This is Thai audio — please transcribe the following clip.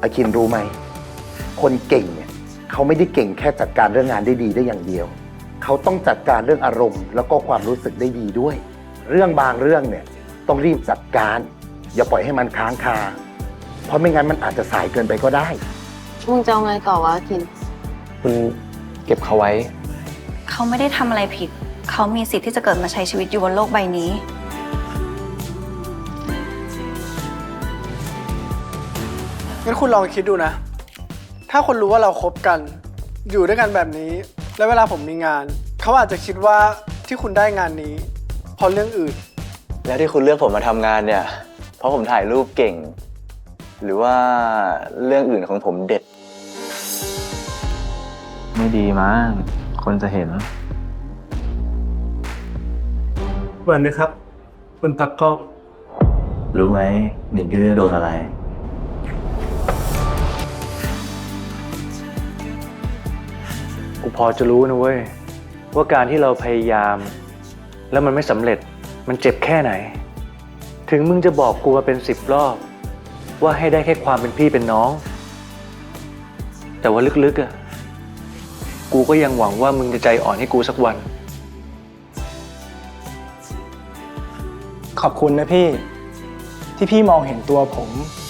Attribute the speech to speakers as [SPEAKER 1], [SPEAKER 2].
[SPEAKER 1] อาคินรู้ไหมคนเก่งเนี่ยเขาไม่ได้เก่งแค่จัดการเรื่องงานได้ดีได้อย่างเดียวเขาต้องจัดการเรื่องอารมณ์แล้วก็ความรู้สึกได้ดีด้วยเรื่องบางเรื่องเนี่ยต้องรีบจัดการอย่าปล่อยให้มันค้างคาเพราะไม่งั้นมันอาจจะสายเกินไปก็ได้
[SPEAKER 2] มึงจะเอาไงต่อวะคิน
[SPEAKER 3] คุณเก็บเขาไว้
[SPEAKER 4] เขาไม่ได้ทำอะไรผิดเขามีสิทธิ์ที่จะเกิดมาใช้ชีวิตอยู่บนโลกใบนี้
[SPEAKER 5] งั้นคุณลองคิดดูนะถ้าคนรู้ว่าเราคบกันอยู่ด้วยกันแบบนี้แล้วเวลาผมมีงานเขาอาจจะคิดว่าที่คุณได้งานนี้เพราะเรื่องอื่น
[SPEAKER 3] แล้วที่คุณเลือกผมมาทำงานเนี่ยเพราะผมถ่ายรูปเก่งหรือว่าเรื่องอื่นของผมเด็ดไม่ดีมั้งคนจะเห็น
[SPEAKER 6] วันนี้ครับคุณตักกล้อง
[SPEAKER 3] รู้ไหมหนิงจะโดนอะไร
[SPEAKER 7] กูพอจะรู้นะเว้ยว่าการที่เราพยายามแล้วมันไม่สำเร็จมันเจ็บแค่ไหนถึงมึงจะบอกกูมาเป็น10 รอบว่าให้ได้แค่ความเป็นพี่เป็นน้องแต่ว่าลึกๆอ่ะกูก็ยังหวังว่ามึงจะใจอ่อนให้กูสักวัน
[SPEAKER 5] ขอบคุณนะพี่ที่พี่มองเห็นตัวผม